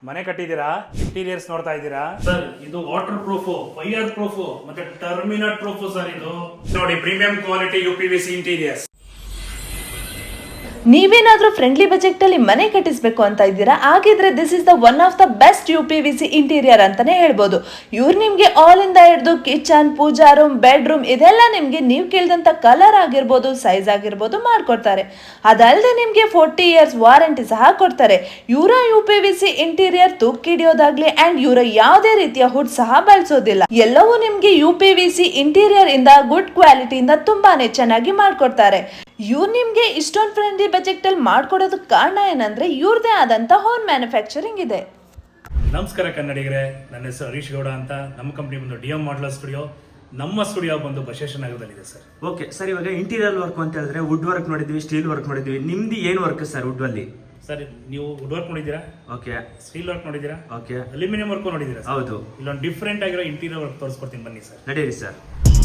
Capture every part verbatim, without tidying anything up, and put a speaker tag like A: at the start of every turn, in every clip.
A: ಮನೆ ಕಟ್ಟಿದ್ದೀರಾ? ಇಂಟೀರಿಯರ್ಸ್ ನೋಡ್ತಾ ಇದ್ದೀರಾ ಸರ್? ಇದು ವಾಟರ್ ಪ್ರೂಫ್, ಫೈರ್ ಪ್ರೂಫ್ ಮತ್ತೆ ಟರ್ಮಿನಲ್ ಪ್ರೂಫ್ ಸರ್. ಇದು ನೋಡಿ, premium quality U P V C interiors.
B: ನೀವೇನಾದ್ರೂ ಫ್ರೆಂಡ್ಲಿ ಬಜೆಟ್ ಅಲ್ಲಿ ಮನೆ ಕಟ್ಟಿಸಬೇಕು ಅಂತ ಇದ್ದೀರಾ? ಹಾಗಿದ್ರೆ this is the one of the best U P V C interior ಅಂತಾನೆ ಹೇಳ್ಬೋದು. ಇವ್ರು ನಿಮ್ಗೆ ಆಲ್ ಇಂದ ಹಿಡಿದು kitchen, pooja room, bedroom ಇದೆಲ್ಲ ನಿಮ್ಗೆ ನೀವು ಕೇಳಿದಂತ ಕಲರ್ ಆಗಿರ್ಬೋದು, ಸೈಜ್ ಆಗಿರ್ಬೋದು ಮಾಡ್ಕೊಡ್ತಾರೆ. ಅದಲ್ಲದೆ ನಿಮ್ಗೆ ಫೋರ್ಟಿ ಇಯರ್ಸ್ ವಾರಂಟಿ ಸಹ ಕೊಡ್ತಾರೆ. ಇವರ U P V C interior ತುಕ್ಕಿಡಿಯೋದಾಗ್ಲಿ ಅಂಡ್ ಇವರ ಯಾವುದೇ ರೀತಿಯ ಹುಡ್ ಸಹ ಬಳಸೋದಿಲ್ಲ. ಎಲ್ಲವೂ ನಿಮ್ಗೆ U P V C interior ಇಂದ ಗುಡ್ ಕ್ವಾಲಿಟಿಯಿಂದ ತುಂಬಾನೇ ಚೆನ್ನಾಗಿ ಮಾಡ್ಕೊಡ್ತಾರೆ. ಇವ್ರು ನಿಮ್ಗೆ ಇಷ್ಟೊಂದು ಫ್ರೆಂಡ್ಲಿ ಬಜೆಟ್ ಅಲ್ಲಿ ಮಾಡ್ಕೊಡೋದಕ್ಕೆ ಕಾರಣ ಏನಂದ್ರೆ ಇವ್ರದೇ ಆದಂತ ಹೋಮ್ ಮ್ಯಾನುಫ್ಯಾಕ್ಚರಿಂಗ್ ಇದೆ.
A: ನಮಸ್ಕಾರ ಕನ್ನಡಿಗರೇ, ನನ್ನ ಹೆಸರು ಹರೀಶ್ ಗೌಡ ಅಂತ. ನಮ್ಮ ಕಂಪ್ನಿ ಬಂದು ಡಿ ಎಂ ಮಾಡ್ಲರ್ ಸ್ಟುಡಿಯೋ. ನಮ್ಮ ಸ್ಟುಡಿಯೋ ಬಂದು ಬಸವೇಶ್ವರ ನಗರದಲ್ಲಿದೆ ಸರ್.
C: ಓಕೆ ಸರ್, ಇವಾಗ ಇಂಟೀರಿಯರ್ ವರ್ಕ್ ಅಂತ ಹೇಳಿದ್ರೆ ವುಡ್ ವರ್ಕ್ ನೋಡಿದ್ವಿ, ಸ್ಟೀಲ್ ವರ್ಕ್ ನೋಡಿದ್ವಿ. ನಿಮ್ದು ಏನು ವರ್ಕ್ ಸರ್ ವುಡ್ ಅಲ್ಲಿ?
A: ಸರ್, ನೀವು ವುಡ್ ವರ್ಕ್ ನೋಡಿದ್ದೀರಾ?
C: ಓಕೆ.
A: ಸ್ಟೀಲ್ ವರ್ಕ್ ನೋಡಿದ್ದೀರಾ?
C: ಓಕೆ.
A: ಅಲ್ಯೂಮಿನಿಯಂ ವರ್ಕ್ ನೋಡಿದ್ದೀರಾ?
C: ಹೌದು.
A: ಇಲ್ಲೊಂದು ಡಿಫ್ರೆಂಟ್ ಆಗಿರೋ ಇಂಟೀರಿಯರ್ ವರ್ಕ್ ತೋರಿಸ್ಕೊಡ್ತೀನಿ ಬನ್ನಿ ಸರ್.
C: ನಡೀರಿ ಸರ್.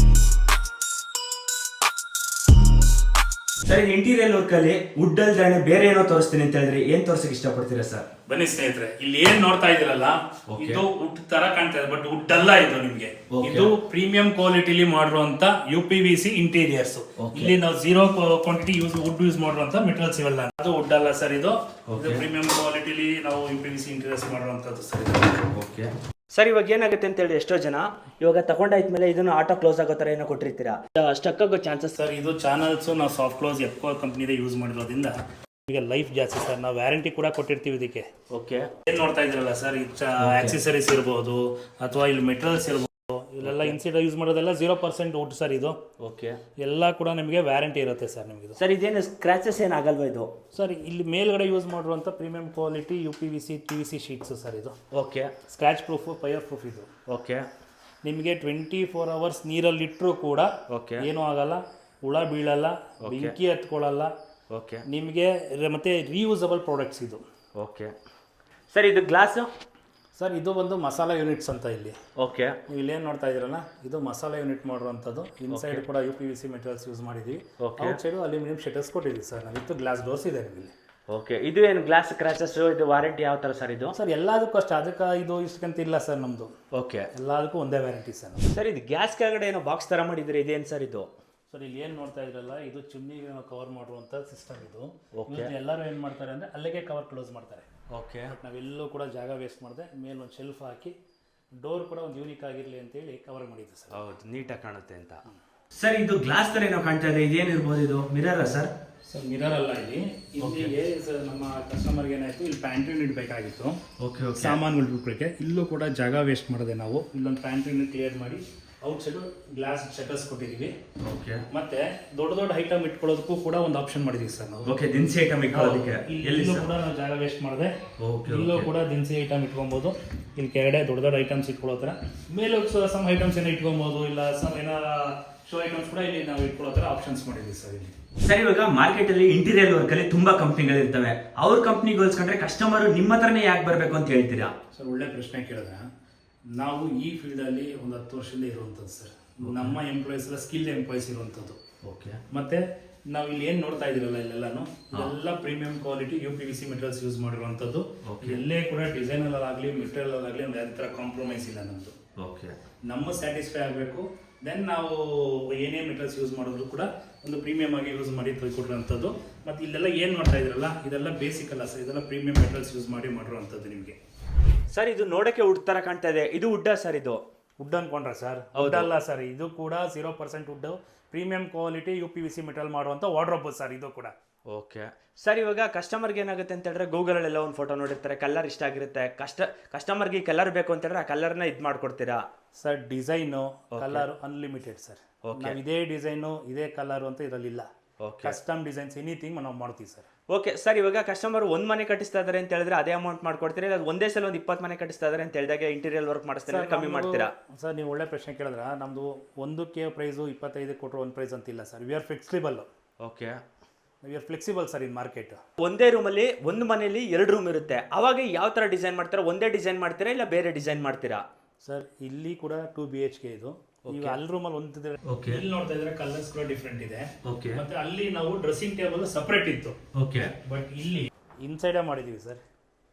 C: ಸರ್, ಇಂಟೀರಿಯರ್ ವರ್ಕ್ ಅಲ್ಲಿ ವುಡ್ ಅಲ್ದಾನೆ ಬೇರೆ ಏನೋ ತೋರಿಸ್ತೀನಿ ಅಂತ ಹೇಳಿದ್ರೆ ಏನ್ ತೋರ್ಸಕ್ ಇಷ್ಟಪಡ್ತೀರಾ ಸರ್?
A: ಬನ್ನಿ ಸ್ನೇಹಿತರೆ, ಇಲ್ಲಿ ಏನ್ ನೋಡ್ತಾ ಇದ್ದೀರಲ್ಲ, ಇದು ವುಡ್ ತರ ಕಾಣ್ತಾ ಇದೆ, ಬಟ್ ವುಡ್ ಅಲ್ಲ ಇದು. ನಿಮ್ಗೆ ಇದು ಪ್ರೀಮಿಯಂ ಕ್ವಾಲಿಟಿಲಿ ಮಾಡಿರುವಂತ U P V C interiors. ಇಲ್ಲಿ ನಾವು zero quantity use wood use ಮಾಡಿರುವಂತ ಮೆಟೀರಿಯಲ್ಸ್ ಇವೆಲ್ಲ. ಅದು ವುಡ್ ಅಲ್ಲ ಸರ್, ಇದು ಪ್ರೀಮಿಯಂ ಕ್ವಾಲಿಟಿಲಿ ನಾವು U P V C interiors ಮಾಡಿರುವಂತದ್ದು ಸರ್.
C: ಓಕೆ ಸರ್, ಇವಾಗ ಏನಾಗುತ್ತೆ ಅಂತ ಹೇಳಿ ಎಷ್ಟೋ ಜನ ಇವಾಗ ತಗೊಂಡಾದ್ಮೇಲೆ ಇದನ್ನು ಆಟೋ ಕ್ಲೋಸ್ ಆಗೋ ತರ ಏನೋ ಕೊಟ್ಟಿರ್ತೀರಾ, ಸ್ಟಕ್ ಆಗೋ ಚಾನ್ಸಸ್?
A: ಸರ್, ಇದು ಚಾನಲ್ಸ್ ನಾವು ಸಾಫ್ಟ್ ಕ್ಲೋಸ್ ಎಪ್ಕೋ ಕಂಪ್ನಿದೆ ಯೂಸ್ ಮಾಡಿರೋದ್ರಿಂದ ಈಗ ಲೈಫ್ ಜಾಸ್ತಿ ಸರ್. ನಾವು ವ್ಯಾರಂಟಿ ಕೂಡ ಕೊಟ್ಟಿರ್ತೀವಿ ಇದಕ್ಕೆ.
C: ಓಕೆ.
A: ಏನ್ ನೋಡ್ತಾ ಇದ್ರಲ್ಲ ಸರ್, ಆಕ್ಸೆಸರೀಸ್ ಇರ್ಬೋದು ಅಥವಾ ಇಲ್ಲಿ ಮೆಟೀರಿಯಲ್ಸ್ ಇರ್ಬೋದು, ಇಲ್ಲೆಲ್ಲ ಇನ್ಸಿಡ ಯೂಸ್ ಮಾಡೋದೆಲ್ಲ ಜೀರೋ ಪರ್ಸೆಂಟ್ ವುಡ್ ಸರ್ ಇದು.
C: ಓಕೆ.
A: ಎಲ್ಲ ಕೂಡ ನಿಮಗೆ ವ್ಯಾರಂಟಿ ಇರುತ್ತೆ ಸರ್ ನಿಮಗೆ.
C: ಸರ್, ಇದೇನು ಸ್ಕ್ರಾಚಸ್ ಏನಾಗಲ್ವಾ ಇದು?
A: ಸರ್, ಇಲ್ಲಿ ಮೇಲ್ಗಡೆ ಯೂಸ್ ಮಾಡಿರುವಂಥ premium quality U P V C P V C sheets sir ಇದು.
C: Okay.
A: Scratchproof, fireproof ಇದು.
C: ಓಕೆ.
A: ನಿಮಗೆ ಟ್ವೆಂಟಿ ಫೋರ್ ಅವರ್ಸ್ ನೀರಲ್ಲಿ ಇಟ್ಟರು ಕೂಡ
C: ಓಕೆ
A: ಏನೂ ಆಗಲ್ಲ, ಹುಳ ಬೀಳಲ್ಲ, ಬೆಂಕಿ ಹತ್ಕೊಳ್ಳಲ್ಲ.
C: ಓಕೆ.
A: ನಿಮಗೆ ಮತ್ತೆ ರೀಯೂಸಬಲ್ ಪ್ರಾಡಕ್ಟ್ಸ್ ಇದು.
C: ಓಕೆ ಸರ್, ಇದು ಗ್ಲಾಸು? ಸರ್,
A: ಇದು ಒಂದು ಮಸಾಲಾ ಯೂನಿಟ್ಸ್ ಅಂತ ಇಲ್ಲಿ.
C: ಓಕೆ.
A: ನೀವು ಇಲ್ಲೇನು ನೋಡ್ತಾ ಇದ್ದೀರಲ್ಲ, ಇದು ಮಸಾಲಾ ಯೂನಿಟ್ ಮಾಡುವಂಥದ್ದು. ಇನ್ಸೈಡ್ ಕೂಡ U P V C materials use ಮಾಡಿದ್ದೀವಿ. ಔಟ್ ಸೈಡು ಅಲ್ಯೂಮಿನಿಯಂ ಶಟರ್ಸ್ ಕೊಟ್ಟಿದ್ದೀವಿ ಸರ್ ನಾವು. ಇದು ಗ್ಲಾಸ್ ಡೋರ್ಸ್ ಇದೆ ನಿಮಗೆ.
C: ಓಕೆ. ಇದು ಏನು ಗ್ಲಾಸ್ ಕ್ರಾಚಸ್? ಇದು ವಾರಂಟಿ ಯಾವ ಥರ ಸರ್ ಇದು?
A: ಸರ್, ಎಲ್ಲದಕ್ಕೂ ಅಷ್ಟೇ, ಅದಕ್ಕೆ ಇದು ಇಷ್ಟಕ್ಕಂತ ಇಲ್ಲ ಸರ್ ನಮ್ಮದು.
C: ಓಕೆ.
A: ಎಲ್ಲದಕ್ಕೂ ಒಂದೇ ವ್ಯಾರಂಟಿ ಸರ್.
C: ಸರ್, ಇದು ಗ್ಯಾಸ್ ಕೆಳಗಡೆ ಏನೋ ಬಾಕ್ಸ್ ಥರ ಮಾಡಿದ್ರೆ ಇದೇನು ಸರ್ ಇದು?
A: ಸರ್, ಇಲ್ಲಿ ಏನು ನೋಡ್ತಾ ಇದ್ರಲ್ಲ, ಇದು ಚಿಮ್ನಿಗೆ ಕವರ್ ಮಾಡುವಂಥ ಸಿಸ್ಟಮ್ ಇದು. ಎಲ್ಲರೂ ಏನು ಮಾಡ್ತಾರೆ ಅಂದರೆ ಅಲ್ಲಿಗೆ ಕವರ್ ಕ್ಲೋಸ್ ಮಾಡ್ತಾರೆ.
C: ಓಕೆ.
A: ಬಟ್ ನಾವೆಲ್ಲೂ ಕೂಡ ಜಾಗ ವೇಸ್ಟ್ ಮಾಡಿದೆ, ಮೇಲೆ ಒಂದು ಶೆಲ್ಫ್ ಹಾಕಿ ಡೋರ್ ಕೂಡ ಒಂದು ಯೂನಿಕ್ ಆಗಿರಲಿ ಅಂತೇಳಿ ಕವರ್ ಮಾಡಿದ್ದೆ ಸರ್.
C: ಹೌದು, ನೀಟಾಗಿ ಕಾಣುತ್ತೆ ಅಂತ. ಸರ್, ಇದು ಗ್ಲಾಸ್ ಥರ ಏನೋ ಕಾಣ್ತಾ ಇದೆ, ಇದೇನಿರ್ಬೋದು ಇದು? ಮಿರರ ಸರ್?
A: ಸರ್, ಮಿರರ್ ಅಲ್ಲ ಇಲ್ಲಿ. ಇಲ್ಲಿಗೆ ನಮ್ಮ ಕಸ್ಟಮರ್ಗೆ ಏನಾಯಿತು, ಇಲ್ಲಿ ಪ್ಯಾಂಟ್ರಿ ಯೂನಿಟ್ ಬೇಕಾಗಿತ್ತು.
C: ಓಕೆ. ಓಕೆ.
A: ಸಾಮಾನುಗಳು ಬಿಟ್ಬಿಟ್ಟೆ, ಇಲ್ಲೂ ಕೂಡ ಜಾಗ ವೇಸ್ಟ್ ಮಾಡಿದೆ ನಾವು. ಇಲ್ಲೊಂದು ಪ್ಯಾಂಟ್ರಿ ಯೂನಿಟ್ ಕ್ಲಿಯರ್ ಮಾಡಿ ಔಟ್ ಸೈಡು ಗ್ಲಾಸ್ ಶಟರ್ಸ್ ಕೊಟ್ಟಿದ್ದೀವಿ.
C: ಓಕೆ.
A: ಮತ್ತೆ ದೊಡ್ಡ ದೊಡ್ಡ ಐಟಮ್ ಇಟ್ಕೊಳ್ಳೋದಕ್ಕೂ ಕೂಡ ಒಂದು ಆಪ್ಷನ್ ಮಾಡಿದ್ದೀವಿ ಸರ್ ನಾವು.
C: ಓಕೆ. ದಿನಸಿ ಐಟಮ್ ಇಟ್ಕೊಳ್ಳೋದಕ್ಕೆ
A: ಇಲ್ಲೂ ಕೂಡ ನಾವು ಜಾಗ ವೇಸ್ಟ್ ಮಾಡಿದೆ. ಇಲ್ಲೂ ಕೂಡ ದಿನಸಿ ಐಟಮ್ ಇಟ್ಕೊಬೋದು. ಇಲ್ಲಿ ಕೆಳಗಡೆ ದೊಡ್ಡ ದೊಡ್ಡ ಐಟಮ್ಸ್ ಇಟ್ಕೊಳ್ಳೋ ಥರ, ಮೇಲೆ ಸಮ್ ಐಟಮ್ಸ್ ಏನೋ ಇಟ್ಕೊಬೋದು, ಇಲ್ಲ ಸಮ್ ಏನೋ ಶೋ ಐಟಮ್ಸ್ ಕೂಡ ಇಲ್ಲಿ ನಾವು ಇಟ್ಕೊಳ್ಳೋ ಥರ ಆಪ್ಷನ್ಸ್ ಮಾಡಿದ್ದೀವಿ ಸರ್ ಇಲ್ಲಿ.
C: ಸರ್, ಇವಾಗ ಮಾರ್ಕೆಟ್ ಅಲ್ಲಿ ಇಂಟೀರಿಯರ್ ವರ್ಕ್ ಅಲ್ಲಿ ತುಂಬಾ ಕಂಪ್ನಿಗಳು ಇರ್ತವೆ. ಅವ್ರ ಕಂಪ್ನಿಗೆ ಹೋಲಿಸ್ಕೊಂಡ್ರೆ ಕಸ್ಟಮರ್ ನಿಮ್ಮ ಹತ್ರನೇ ಯಾಕೆ ಬರಬೇಕು ಅಂತ ಹೇಳ್ತೀರಾ?
A: ಸರ್, ಒಳ್ಳೆ ಪ್ರಶ್ನೆ ಕೇಳಿದ್ರೆ, ನಾವು ಈ ಫೀಲ್ಡಲ್ಲಿ ಒಂದು ಹತ್ತು ವರ್ಷದಿಂದ ಇರುವಂಥದ್ದು ಸರ್. ನಮ್ಮ ಎಂಪ್ಲಾಯೀಸ್ ಎಲ್ಲ ಸ್ಕಿಲ್ ಎಂಪ್ಲಾಯೀಸ್ ಇರುವಂಥದ್ದು.
C: ಓಕೆ.
A: ಮತ್ತೆ ನಾವು ಇಲ್ಲಿ ಏನು ನೋಡ್ತಾ ಇದ್ದೀರಲ್ಲ, ಇಲ್ಲೆಲ್ಲಾನು ಎಲ್ಲ premium quality U P V C materials use ಮಾಡಿರುವಂಥದ್ದು. ಎಲ್ಲೇ ಕೂಡ ಡಿಸೈನಲ್ಲಾಗಲಿ ಮೆಟೀರಿಯಲ್ಲಾಗಲಿ ಒಂದು ಯಾವ ಥರ ಕಾಂಪ್ರಮೈಸ್ ಇಲ್ಲ ನಮ್ಮದು.
C: ಓಕೆ.
A: ನಮ್ಮ ಸ್ಯಾಟಿಸ್ಫೈ ಆಗಬೇಕು. ದೆನ್ ನಾವು ಏನೇ ಮೆಟೀರಿಯಲ್ಸ್ ಯೂಸ್ ಮಾಡಿದ್ರು ಕೂಡ ಒಂದು ಪ್ರೀಮಿಯಮ್ ಆಗಿ ಯೂಸ್ ಮಾಡಿ ಕೊಟ್ಟಿರೋಂಥದ್ದು. ಮತ್ತು ಇಲ್ಲೆಲ್ಲ ಏನು ಮಾಡ್ತಾ ಇದ್ರಲ್ಲ, ಇದೆಲ್ಲ ಬೇಸಿಕ್ ಅಲ್ಲ ಸರ್, ಇದೆಲ್ಲ ಪ್ರೀಮಿಯಂ ಮೆಟೀರಿಯಲ್ಸ್ ಯೂಸ್ ಮಾಡಿ ಮಾಡಿರುವಂಥದ್ದು ನಿಮಗೆ.
C: ಸರ್, ಇದು ನೋಡೋಕ್ಕೆ ವುಡ್ ಥರ ಕಾಣ್ತಾ ಇದೆ, ಇದು ವುಡ್ಡಾ ಸರ್? ಇದು
A: ವುಡ್ ಅನ್ಕೊಂಡ್ರೆ ಸರ್, ವುಡ್ ಅಲ್ಲ ಸರ್, ಇದು ಕೂಡ zero percent wood premium quality U P V C material ಮಾಡುವಂಥ ವಾರ್ಡ್ರೋಬ್ ಸರ್ ಇದು ಕೂಡ.
C: ಓಕೆ. ಸರ್, ಇವಾಗ ಕಸ್ಟಮರ್ಗೆ ಏನಾಗುತ್ತೆ ಅಂತ ಹೇಳಿದ್ರೆ ಗೂಗಲಲ್ಲೆಲ್ಲ ಒಂದು ಫೋಟೋ ನೋಡಿರ್ತಾರೆ, ಕಲರ್ ಇಷ್ಟ ಆಗಿರುತ್ತೆ, ಕಷ್ಟ ಕಸ್ಟಮರ್ಗೆ ಕಲರ್ ಬೇಕು ಅಂತ ಹೇಳಿದ್ರೆ ಆ ಕಲರ್ನ ಇದು ಮಾಡ್ಕೊಡ್ತೀರಾ?
A: Sir, design colour unlimited sir. ನಾವು ಇದೇ ಡಿಸೈನು ಇದೇ ಕಲರ್ ಅಂತ ಇದರಲ್ಲಿಲ್ಲ. ಕಸ್ಟಮ್ ಡಿಸೈನ್ಸ್ ಎನಿಥಿಂಗ್ ನಾವು ಮಾಡ್ತೀವಿ ಸರ್.
C: ಓಕೆ. ಸರ್, ಇವಾಗ ಕಸ್ಟಮರ್ ಒಂದು ಮನೆ ಕಟ್ಟಿಸ್ತಾ ಇದ್ದಾರೆ ಅಂತ ಹೇಳಿದ್ರೆ ಅದೇ ಅಮೌಂಟ್ ಮಾಡ್ಕೊಡ್ತೀರಾ, ಇಲ್ಲ ಒಂದೇ ಸಲ ಒಂದು ಇಪ್ಪತ್ತು ಮನೆ ಕಟ್ಟಿಸ್ತಾ ಇದ್ದಾರೆ ಅಂತ ಹೇಳಿದಾಗ ಇಂಟೀರಿಯರ್ ವರ್ಕ್ ಮಾಡಿಸ್ತಾರೆ ಕಮ್ಮಿ ಮಾಡ್ತೀರಾ?
A: ಸರ್, ನೀವು ಒಳ್ಳೆ ಪ್ರಶ್ನೆ ಕೇಳಿದ್ರೆ, ನಮ್ಮದು ಒಂದಕ್ಕೆ ಪ್ರೈಸು ಇಪ್ಪತ್ತೈದು ಕೊಟ್ಟರು ಒಂದು ಪ್ರೈಸ್ ಅಂತಿಲ್ಲ sir. We are flexible.
C: Okay.
A: We are flexible sir in market.
C: ಒಂದೇ ರೂಮಲ್ಲಿ ಒಂದು ಮನೆಯಲ್ಲಿ ಎರಡು ರೂಮ್ ಇರುತ್ತೆ, ಅವಾಗ ಯಾವ ಥರ ಡಿಸೈನ್ ಮಾಡ್ತೀರಾ? ಒಂದೇ ಡಿಸೈನ್ ಮಾಡ್ತೀರಾ ಇಲ್ಲ ಬೇರೆ ಡಿಸೈನ್ ಮಾಡ್ತೀರಾ?
A: ಸರ್, ಇಲ್ಲಿ ಕೂಡ ಟೂ ಬಿ ಎಚ್ ಕೆ ಇದು. ಈಗ ಅಲ್ಲಿ ರೂಮಲ್ಲಿ ಒಂದು ಇಲ್ಲಿ ನೋಡ್ತಾ ಇದ್ರೆ ಕಲರ್ಸ್ ಕೂಡ ಡಿಫ್ರೆಂಟ್ ಇದೆ. ಮತ್ತೆ ಅಲ್ಲಿ ನಾವು ಡ್ರೆಸ್ಸಿಂಗ್ ಟೇಬಲ್ ಸಪರೇಟ್ ಇತ್ತು.
C: ಓಕೆ.
A: ಬಟ್ ಇಲ್ಲಿ ಇನ್ಸೈಡೇ ಮಾಡಿದೀವಿ ಸರ್.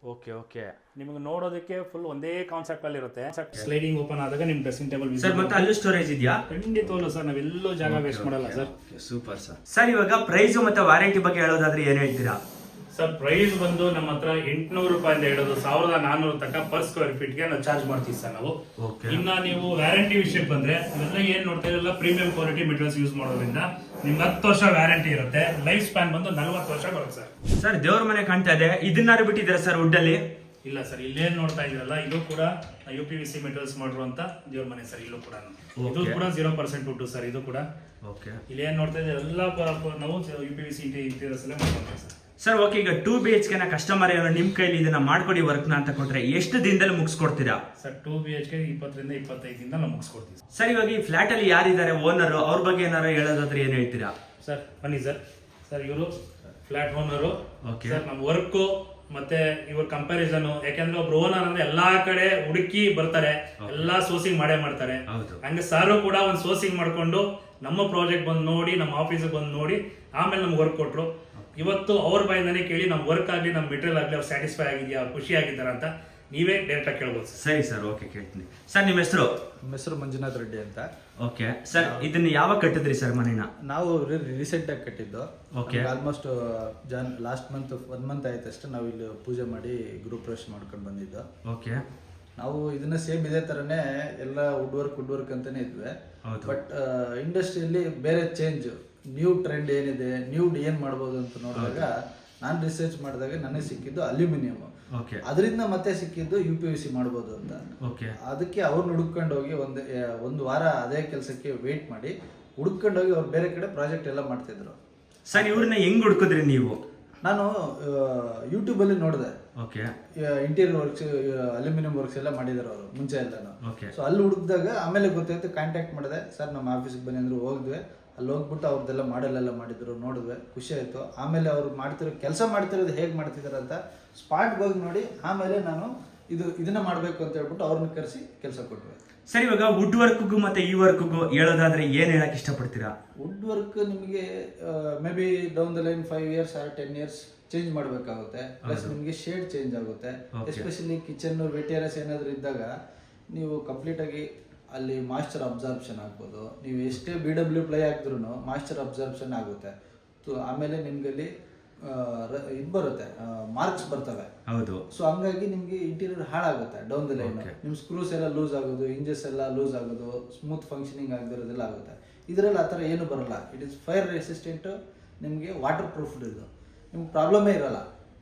C: ಓಕೆ ಓಕೆ
A: ನಿಮಗೆ ನೋಡೋದಕ್ಕೆ ಫುಲ್ ಒಂದೇ ಕಾನ್ಸೆಪ್ಟ್ ಅಲ್ಲಿ ಇರುತ್ತೆ. ಸ್ಲೈಡಿಂಗ್ ಓಪನ್ ಆದಾಗ ನಿಮ್ ಡ್ರೆಸ್ಸಿಂಗ್ ಟೇಬಲ್
C: ಸರ್ ಮತ್ತೆ ಅಲ್ಲೂ ಸ್ಟೋರೇಜ್ ಇದೆಯಾ?
A: ಖಂಡಿತವಲ್ಲ ಸರ್, ನಾವೆಲ್ಲೂ ಜಾಗ ವೇಸ್ಟ್ ಮಾಡಲ್ಲ ಸರ್.
C: Super sir. ಸರ್ ಇವಾಗ ಪ್ರೈಸ್ ಮತ್ತೆ ವಾರಂಟಿ ಬಗ್ಗೆ ಹೇಳೋದಾದ್ರೆ ಏನ್ ಹೇಳ್ತೀರಾ?
A: ಸರ್ ಪ್ರೈಸ್ ಬಂದು ನಮ್ಮ ಹತ್ರ ಎಂಟುನೂರು ರೂಪಾಯಿಂದ ಹಿಡಿದು ಸಾವಿರದ ನಾನ್ನೂರು ತನಕ ಪರ್ ಸ್ಕ್ವೇರ್ ಫೀಟ್ ಗೆ ನಾವು ಚಾರ್ಜ್ ಮಾಡ್ತೀವಿ ಸರ್ ನಾವು. ಇನ್ನ ನೀವು ವ್ಯಾರಂಟಿ ವಿಷಯಕ್ಕೆ ಬಂದ್ರೆ ಅವೆಲ್ಲ ಏನ್ ನೋಡ್ತಾ ಇರಲ್ಲ, ಪ್ರೀಮಿಯಂ ಕ್ವಾಲಿಟಿ ಮೆಟೀರಿಯಲ್ಸ್ ಯೂಸ್ ಮಾಡೋದ್ರಿಂದ ನಿಮ್ಗೆ ಹತ್ತು ವರ್ಷ ವ್ಯಾರಂಟಿ ಇರುತ್ತೆ. ಲೈಫ್ ಸ್ಪ್ಯಾನ್ ಬಂದು ನಲ್ವತ್ತು ವರ್ಷ ಬರುತ್ತೆ ಸರ್.
C: ಸರ್ ದೇವ್ರ ಮನೆ ಕಾಣ್ತಾ ಇದೆ, ಇದನ್ನಾರು ಬಿಟ್ಟಿದ್ದೀರಾ ಸರ್ ವುಡ್ ಅಲ್ಲಿ?
A: ಇಲ್ಲ ಸರ್, ಇಲ್ಲೇನ್ ನೋಡ್ತಾ ಇದ್ರಲ್ಲ, ಇದು ಕೂಡ U P V C materials ಮಾಡಿರುವಂತ ದೇವ್ರ ಮನೆ ಸರ್. ಇಲ್ಲೂ ಕೂಡ ಇದು ಕೂಡ ಜೀರೋ ಪರ್ಸೆಂಟ್ ವುಡ್ ಸರ್. ಇದು ಕೂಡ ಇಲ್ಲೇನ್ ನೋಡ್ತಾ ಇದ್ರೆ ಎಲ್ಲ ನಾವು U P V C interiors ಅಲ್ಲೇ ಮಾಡ್ಕೊಂತೀವಿ ಸರ್.
C: ಸರ್ ಓಕೆ, ಈಗ ಟೂ ಬಿ ಎಚ್ ಕೆ ನ ಕಸ್ಟಮರ್ ಏನೋ ನಿಮ್ ಕೈಲಿ ಇದನ್ನ ಮಾಡ್ಕೊಡಿ ವರ್ಕ್ ನ ಅಂತ ಕೊಟ್ರೆ ಎಷ್ಟು ದಿನದಲ್ಲಿ ಮುಗಿಸ್ಕೊಡ್ತೀರಾ?
A: Sir two B H K ಇಪ್ಪತ್ತರಿಂದ ಇಪ್ಪತ್ತೈದು ದಿನ ನಾವು ಮುಗಿಸ್ಕೊಡ್ತೀವಿ
C: ಸರ್. ಇವಾಗ ಈ ಫ್ಲಾಟ್ ಅಲ್ಲಿ ಯಾರಿದ್ದಾರೆ ಓನರ್, ಅವ್ರ ಬಗ್ಗೆ ಏನಾರು ಹೇಳೋದಾದ್ರೆ ಏನ್ ಹೇಳ್ತೀರಾ?
A: ಸರ್ ಬನ್ನಿ ಸರ್. ಸರ್ ಇವರು ಫ್ಲಾಟ್ ಓನರು
C: ಓಕೆ
A: ಸರ್. ನಮ್ಮ ವರ್ಕ್ ಮತ್ತೆ ಇವ್ರ ಕಂಪ್ಯಾರಿಸನ್, ಯಾಕಂದ್ರೆ ಒಬ್ರು ಓನರ್ ಅಂದ್ರೆ ಎಲ್ಲಾ ಕಡೆ ಹುಡುಕಿ ಬರ್ತಾರೆ, ಎಲ್ಲಾ ಸೋರ್ಸಿಂಗ್ ಮಾಡೇ ಮಾಡ್ತಾರೆ. ಹಂಗೆ ಸಾರು ಕೂಡ ಒಂದು ಸೋರ್ಸಿಂಗ್ ಮಾಡ್ಕೊಂಡು ನಮ್ಮ ಪ್ರಾಜೆಕ್ಟ್ ಬಂದು ನೋಡಿ, ನಮ್ಮ ಆಫೀಸ್ ಬಂದು ನೋಡಿ ಆಮೇಲೆ ನಮ್ಗೆ ವರ್ಕ್ ಕೊಟ್ರು. ಇವತ್ತು ಅವ್ರ ಬಾಯಿಂದಾನೆ ಕೇಳಿ ನಮ್ಮ ವರ್ಕ್ ಆಗಲಿ ನಮ್ಮ ಮೆಟೀರಿಯಲ್ ಆಗಲಿ ಅವ್ರು ಸ್ಯಾಟಿಸ್ಫೈ ಆಗಿದೆಯಾ, ಖುಷಿ ಆಗಿದ್ದಾರ ಅಂತ ನೀವೇ ಡೈರೆಕ್ಟ್ ಆಗಿ ಕೇಳ್ಬೋದು ಸರ್.
C: ಸರಿ ಸರ್, ಓಕೆ ಕೇಳ್ತೀನಿ. ಸರ್ ನಿಮ್ಮ ಹೆಸರು?
D: ನಮ್ಮ ಹೆಸರು ಮಂಜುನಾಥ್ ರೆಡ್ಡಿ ಅಂತ.
C: ಓಕೆ ಸರ್, ಇದನ್ನ ಯಾವಾಗ ಕಟ್ಟಿದ್ರಿ ಸರ್ ಮನೇನ?
D: ನಾವು ರೀಸೆಂಟ್ ಆಗಿ ಕಟ್ಟಿದ್ದು.
C: Okay.
D: Almost Jan last month one month ಆಯ್ತು ಅಷ್ಟೇ ನಾವು ಇಲ್ಲಿ ಪೂಜೆ ಮಾಡಿ ಗ್ರೂಪ್ ಪ್ರವೇಶ ಮಾಡ್ಕೊಂಡು ಬಂದಿದ್ದು.
C: ಓಕೆ.
D: ನಾವು ಇದನ್ನ ಸೇಮ್ ಇದೇ ತರನೇ ಎಲ್ಲ ವುಡ್ ವರ್ಕ್ ವುಡ್ ವರ್ಕ್ ಅಂತಾನೆ ಇದ್ವಿ. ಬಟ್ ಇಂಡಸ್ಟ್ರಿಯಲ್ಲಿ ಬೇರೆ ಚೇಂಜ್, ನ್ಯೂ ಟ್ರೆಂಡ್ ಏನಿದೆ, ನ್ಯೂ ಏನ್ ಮಾಡ್ಬೋದು ಅಂತ ನೋಡಿದಾಗ ನಾನು ರಿಸರ್ಚ್ ಮಾಡಿದಾಗ ನನಗೆ ಸಿಕ್ಕಿದ್ದು ಅಲ್ಯೂಮಿನಿಯಂ. ಅದರಿಂದ ಮತ್ತೆ ಸಿಕ್ಕಿದ್ದು ಯು ಪಿ ವಿ ಸಿ ಮಾಡ್ಬೋದು ಅಂತ. ಅದಕ್ಕೆ ಅವ್ರನ್ನ ಹುಡುಕೊಂಡು ಹೋಗಿ ಒಂದು ಒಂದು ವಾರ ಅದೇ ಕೆಲಸಕ್ಕೆ ವೇಟ್ ಮಾಡಿ ಹುಡುಕೊಂಡು ಹೋಗಿ ಅವ್ರು ಬೇರೆ ಕಡೆ ಪ್ರಾಜೆಕ್ಟ್ ಎಲ್ಲ ಮಾಡ್ತಿದ್ರು.
C: ಸರ್ ಇವ್ರನ್ನ ಹೆಂಗ್ ಹುಡುಕಿದ್ರಿ ನೀವು?
D: ನಾನು ಯೂಟ್ಯೂಬ್ ಅಲ್ಲಿ ನೋಡಿದೆ. ಇಂಟೀರಿಯರ್ ವರ್ಕ್ಸ್, ಅಲ್ಯೂಮಿನಿಯಂ ವರ್ಕ್ಸ್ ಎಲ್ಲ ಮಾಡಿದಾರೆ ಅವರು ಮುಂಚೆ ಎಲ್ಲಾನು. ಸೊ ಅಲ್ಲಿ ಹುಡುಕಿದಾಗ ಆಮೇಲೆ ಗೊತ್ತಾಯ್ತು, ಕಾಂಟ್ಯಾಕ್ಟ್ ಮಾಡಿದೆ. ಸರ್ ನಮ್ಮ ಆಫೀಸಿಗೆ ಬನ್ನಿ ಅಂದ್ರೆ ಹೋಗಿದ್ವಿ. ಅಲ್ಲಿ ಹೋಗ್ಬಿಟ್ಟು ಅವ್ರದ್ದೆಲ್ಲ ಮಾಡೆಲ್ ಎಲ್ಲ ಮಾಡಿದ್ರು, ನೋಡಿದ್ವಿ, ಖುಷಿ ಆಯ್ತು. ಆಮೇಲೆ ಅವ್ರು ಮಾಡ್ತಿರೋ ಕೆಲಸ ಮಾಡ್ತಿರೋದು ಹೇಗೆ ಮಾಡ್ತಿದಾರೆ ಅಂತ ಸ್ಪಾಟ್ಗೆ ಹೋಗಿ ನೋಡಿ ಆಮೇಲೆ ನಾನು ಇದು ಇದನ್ನ ಮಾಡಬೇಕು ಅಂತ ಹೇಳ್ಬಿಟ್ಟು ಅವ್ರನ್ನ ಕರೆಸಿ ಕೆಲಸ ಕೊಟ್ವಿ.
C: ಸರ್ ಇವಾಗ ವುಡ್ ವರ್ಕ್ಗೂ ಮತ್ತೆ ಈ ವರ್ಕ್ಗೂ ಹೇಳೋದಾದ್ರೆ ಏನ್ ಹೇಳಕ್ ಇಷ್ಟಪಡ್ತೀರಾ?
D: ವುಡ್ ವರ್ಕ್ ನಿಮಗೆ may be down the line five years or ten years change ಮಾಡಬೇಕಾಗುತ್ತೆ. ಪ್ಲಸ್ ನಿಮಗೆ ಶೇಡ್ ಚೇಂಜ್ ಆಗುತ್ತೆ. ಎಸ್ಪೆಷಲಿ ಕಿಚನ್ ವೆಟೇರಿಯಸ್ ಏನಾದರೂ ಇದ್ದಾಗ ನೀವು ಕಂಪ್ಲೀಟ್ ಆಗಿ ಅಲ್ಲಿ ಮಾಯ್ಚರ್ ಅಬ್ಸಾರ್ಪ್ಷನ್ ಆಗ್ಬೋದು. ನೀವು ಎಷ್ಟೇ ಬಿ ಡಬ್ಲ್ಯೂ ಪ್ಲೈ ಹಾಕಿದ್ರು ಮಾಯ್ಚರ್ ಅಬ್ಸಾರ್ಪ್ಷನ್ ಆಗುತ್ತೆ. ಆಮೇಲೆ ನಿಮ್ಗೆ ಅಲ್ಲಿ ಇದು ಬರುತ್ತೆ, ಮಾರ್ಕ್ಸ್ ಬರ್ತವೆ.
C: ಹೌದು.
D: ಸೊ ಹಂಗಾಗಿ ನಿಮ್ಗೆ ಇಂಟೀರಿಯರ್ ಹಾಳಾಗುತ್ತೆ ಡೌನ್ ದ ಲೈನ್. ನಿಮ್ ಸ್ಕ್ರೂಸ್ ಎಲ್ಲ ಲೂಸ್ ಆಗೋದು, ಇಂಜಸ್ ಎಲ್ಲ ಲೂಸ್ ಆಗೋದು, ಸ್ಮೂತ್ ಫಂಕ್ಷನಿಂಗ್ ಆಗದಿರೋದೆಲ್ಲ ಆಗುತ್ತೆ. ಇದರಲ್ಲಿ ಆ ಥರ ಏನು ಬರಲ್ಲ. ಇಟ್ ಇಸ್ ಫೈರ್ ರೆಸಿಸ್ಟೆಂಟ್, ನಿಮಗೆ ವಾಟರ್ ಪ್ರೂಫ್. ಇದು ನಿಮ್ಗೆ ಪ್ರಾಬ್ಲಮೇ ಇರಲ್ಲ.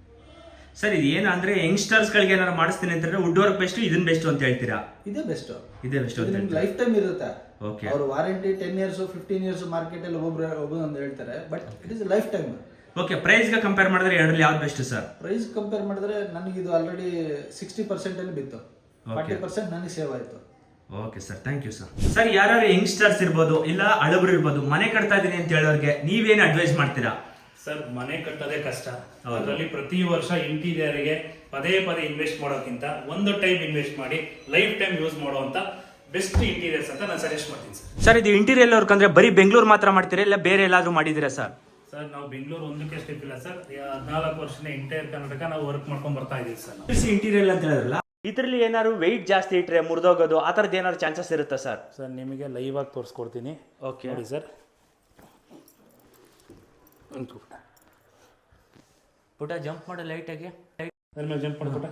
C: ಸರ್ ಇದು ಏನು ಅಂದ್ರೆ ಯಂಗ್ಸ್ಟರ್ಸ್ ಗಳಿಗೆ ಏನಾದ್ರು ಮಾಡಿಸ್ತೀನಿ ಅಂತಂದ್ರೆ ವುಡ್ ವರ್ಕ್ ಬೆಸ್ಟ್, ಇದನ್ನ ಬೆಸ್ಟ್ ಅಂತ ಹೇಳ್ತೀರಾ?
D: ಇದೇ ಬೆಸ್ಟ್,
C: ಇದೇ ಬೆಸ್ಟ್.
D: ನಿಮ್ಗೆ ಲೈಫ್ ಟೈಮ್ ಇರುತ್ತೆ. ಅವ್ರು warranty ten years fifteen years market ಅಲ್ಲಿ ಒಬ್ಬರು ಒಬ್ಬರು ಅಂತ ಹೇಳ್ತಾರೆ, but it is lifetime.
C: Okay. Price ಗೆ ಕಂಪೇರ್ ಮಾಡಿದ್ರೆ ಎರಡರಲ್ಲಿ ಯಾವ್ದು ಬೆಸ್ಟ್ ಸರ್?
D: ಪ್ರೈಸ್ ಕಂಪೇರ್ ಮಾಡಿದ್ರೆ ನನಗೆ ಇದು ಆಲ್ರೆಡಿ ಸಿಕ್ಸ್ಟಿ ಪರ್ಸೆಂಟ್ ಅಲ್ಲಿ ಬಿತ್ತು, ಫಾರ್ಟಿ ಪರ್ಸೆಂಟ್ ನನಗೆ ಸೇವ್ ಆಯ್ತು.
C: Okay sir, thank you sir. Sir ಯಾರು ಯಂಗ್ಸ್ಟರ್ಸ್ ಇರ್ಬೋದು ಇಲ್ಲ ಹಳಬರು ಇರ್ಬೋದು, ಮನೆ ಕಟ್ತಾ ಇದೀನಿ ಅಂತ ಹೇಳೋರಿಗೆ ನೀವೇನು ಅಡ್ವೈಸ್ ಮಾಡ್ತೀರಾ?
A: ಸರ್ ಮನೆ ಕಟ್ಟೋದೇ ಕಷ್ಟ. ಅದರಲ್ಲಿ ಪ್ರತಿ ವರ್ಷ ಇಂಟೀರಿಯರ್ಗೆ ಪದೇ ಪದೇ ಇನ್ವೆಸ್ಟ್ ಮಾಡೋಕ್ಕಿಂತ ಒಂದು ಟೈಮ್ ಇನ್ವೆಸ್ಟ್ ಮಾಡಿ ಲೈಫ್ ಟೈಮ್ ಯೂಸ್ ಮಾಡುವಂತ ಬೆಸ್ಟ್ ಇಂಟೀರಿಯರ್ಸ್ ಅಂತ ನಾನು ಸಜೆಸ್ಟ್ ಮಾಡ್ತೀನಿ ಸರ್.
C: ಸರ್ ಇದು ಇಂಟೀರಿಯರ್ ವರ್ಕ್ ಅಂದ್ರೆ ಬರೀ ಬೆಂಗಳೂರು ಮಾತ್ರ ಮಾಡ್ತೀರಾ ಇಲ್ಲ ಬೇರೆ ಎಲ್ಲಾದ್ರೂ ಮಾಡಿದಿರಾ ಸರ್?
A: ಸರ್ ನಾವು ಬೆಂಗಳೂರು ಒಂದಕ್ಕೆ ಸ್ಟೆಪ್ ಇಲ್ಲ ಸರ್. ಹದಿನಾಲ್ಕು ವರ್ಷದ ಇಂಟೈರ್ ಕರ್ನಾಟಕ ನಾವು ವರ್ಕ್ ಮಾಡ್ಕೊಂಡ್ ಬರ್ತಾ ಇದೀವಿ ಸರ್.
C: ಇಂಟೀರಿಯರ್ ಅಂತ ಹೇಳಿದ್ರಲ್ಲ, ಇದ್ರಲ್ಲಿ ಏನಾದ್ರು ವೆಯ್ಟ್ ಜಾಸ್ತಿ ಇಟ್ರೆ ಮುರಿದೋಗೋದು ಆ ಥರದ್ದು ಏನಾದ್ರು ಚಾನ್ಸಸ್ ಇರುತ್ತಾ ಸರ್?
A: ಸರ್ ನಿಮಗೆ ಲೈವ್ ಆಗಿ ತೋರಿಸ್ಕೊಡ್ತೀನಿ.
C: ಓಕೆ
A: ನೋಡಿ ಸರ್.
C: ಪುಟ ಜಂಪ್ ಮಾಡು ಲೈಟಾಗಿ,
A: ಜಂಪ್ ಮಾಡ್ಬಿಟ್ಟ.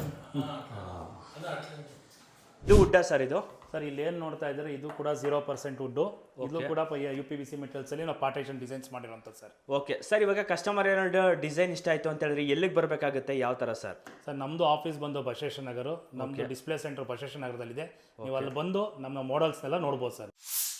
C: ಇದು ವುಡ್ಡಾ ಸರ್? ಇದು
A: ಸರ್ ಇಲ್ಲಿ ಏನು ನೋಡ್ತಾ ಇದ್ದಾರೆ, ಇದು ಕೂಡ ಜೀರೋ ಪರ್ಸೆಂಟ್ ವುಡ್ಡು. ಇದು ಕೂಡ U P V C materials ಅಲ್ಲಿ ನಾವು ಪಾರ್ಟೇಷನ್ ಡಿಸೈನ್ಸ್ ಮಾಡಿರೋಂಥದ್ದು ಸರ್.
C: Okay sir. ಇವಾಗ ಕಸ್ಟಮರ್ ಏನಾದ್ರು ಡಿಸೈನ್ ಇಷ್ಟ ಆಯ್ತು ಅಂತ ಹೇಳಿದ್ರೆ ಎಲ್ಲಿಗೆ ಬರಬೇಕಾಗುತ್ತೆ, ಯಾವ ತರ ಸರ್?
A: ಸರ್ ನಮ್ದು ಆಫೀಸ್ ಬಂದು ಬಸವೇಶ್ವರ ನಗರ, ನಮ್ದು ಡಿಸ್ಪ್ಲೇ ಸೆಂಟರ್ ಬಸವೇಶ್ವರ ನಗರದಲ್ಲಿದೆ. ನೀವು ಅಲ್ಲಿ ಬಂದು ನಮ್ಮ ಮಾಡೆಲ್ಸ್ನೆಲ್ಲ ನೋಡ್ಬೋದು ಸರ್.